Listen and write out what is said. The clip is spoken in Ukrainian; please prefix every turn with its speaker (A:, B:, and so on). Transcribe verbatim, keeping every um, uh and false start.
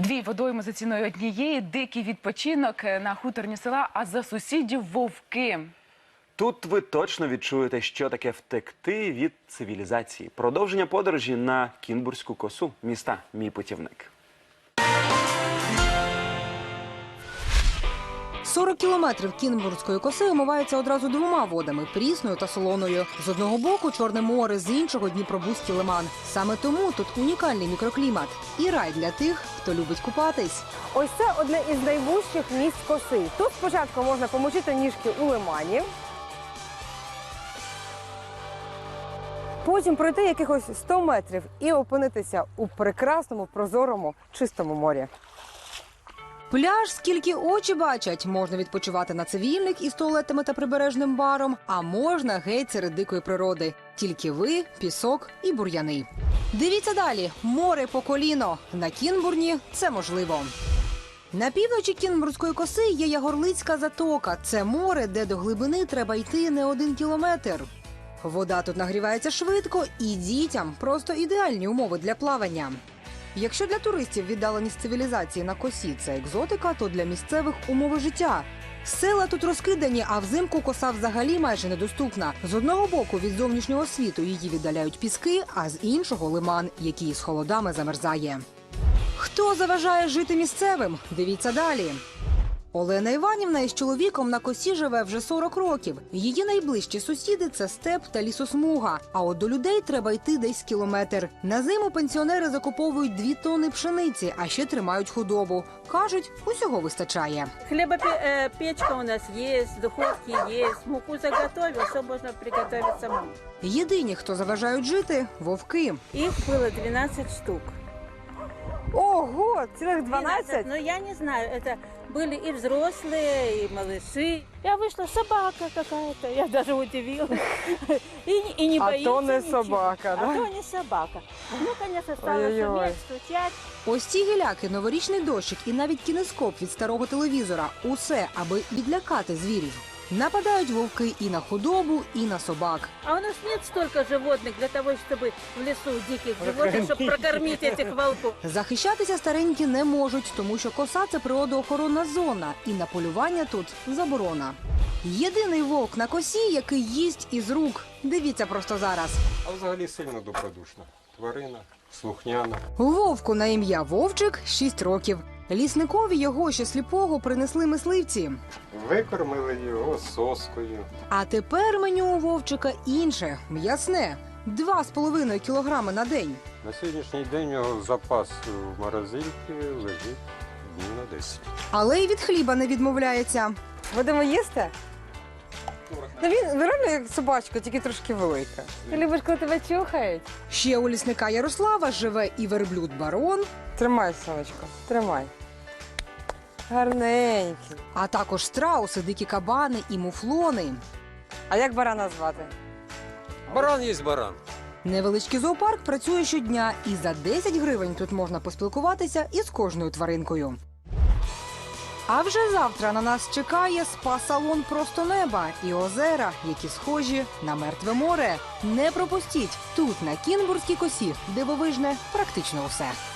A: Дві водойми за ціною однієї, дикий відпочинок на хуторні села, а за сусідів вовки.
B: Тут ви точно відчуєте, що таке втекти від цивілізації. Продовження подорожі на Кінбурзьку косу. Міста «Мій путівник».
C: сорок кілометрів Кінбурзької коси омиваються одразу двома водами – Прісною та Солоною. З одного боку – Чорне море, з іншого – Дніпробузький лиман. Саме тому тут унікальний мікроклімат і рай для тих, хто любить купатись.
D: Ось це одне із найвужчих місць коси. Тут спочатку можна помочити ніжки у лимані, потім пройти якихось сто метрів і опинитися у прекрасному, прозорому, чистому морі.
C: Пляж, скільки очі бачать. Можна відпочивати на цивільних із туалетами та прибережним баром, а можна геть серед дикої природи. Тільки ви, пісок і бур'яни. Дивіться далі. Море по коліно. На Кінбурні це можливо. На півночі Кінбурзької коси є Ягорлицька затока. Це море, де до глибини треба йти не один кілометр. Вода тут нагрівається швидко і дітям просто ідеальні умови для плавання. Якщо для туристів віддаленість цивілізації на косі – це екзотика, то для місцевих – умови життя. Села тут розкидані, а взимку коса взагалі майже недоступна. З одного боку від зовнішнього світу її віддаляють піски, а з іншого – лиман, який з холодами замерзає. Хто заважає жити місцевим? Дивіться далі. Олена Іванівна із чоловіком на косі живе вже сорок років. Її найближчі сусіди – це степ та лісосмуга. А от до людей треба йти десь кілометр. На зиму пенсіонери закуповують дві тонни пшениці, а ще тримають худобу. Кажуть, усього вистачає.
E: Хлебопечка у нас є, духовки є, муку заготовив, все можна приготувати самому.
C: Єдині, хто заважають жити – вовки.
E: Їх було дванадцять штук.
D: Ого, цілих дванадцять?
E: Ну, я не знаю, это были и взрослые, и малыши. Я вышла, собака какая-то, я даже удивилась. И, и не
D: А
E: боится
D: то не
E: ничего.
D: собака, да?
E: А то не собака. Ну, конечно, стала
D: Ой-ой-ой.
E: шуметь, стучать.
C: Ось ці гіляки, новорічний дощик і навіть кінескоп від старого телевізора – усе, аби відлякати звірів. Нападають вовки і на худобу, і на собак.
E: А у нас нет столько животных для того, чтобы в лесу диких животных, чтобы прокормить этих волков.
C: Захищатися старенькі не можуть, тому що коса – це природоохоронна зона, і на полювання тут заборона. Єдиний вовк на косі, який їсть із рук. Дивіться просто зараз.
F: А взагалі сильно добродушна. Тварина, слухняна.
C: Вовку на ім'я Вовчик – шість років. Лісникові його ще сліпого принесли мисливці.
F: Викормили його соскою.
C: А тепер меню у Вовчика інше – м'ясне. Два з половиною кілограми на день.
F: На сьогоднішній день його запас в морозильці лежить днів на десять.
C: Але й від хліба не відмовляється.
D: Будемо їсти? Ну він він реально як собачка, тільки трошки велика. Ти любиш, коли тебе чухають?
C: Ще у лісника Ярослава живе і верблюд-барон,
D: Тримай, сонечко, тримай. Гарненький.
C: а також страуси, дикі кабани і муфлони.
D: А як барана звати?
F: Баран є баран.
C: Невеличкий зоопарк працює щодня, і за десять гривень тут можна поспілкуватися із кожною тваринкою. А вже завтра на нас чекає спа-салон «Просто неба» і озера, які схожі на мертве море. Не пропустіть! Тут, на Кінбурзькій косі, дивовижне практично усе.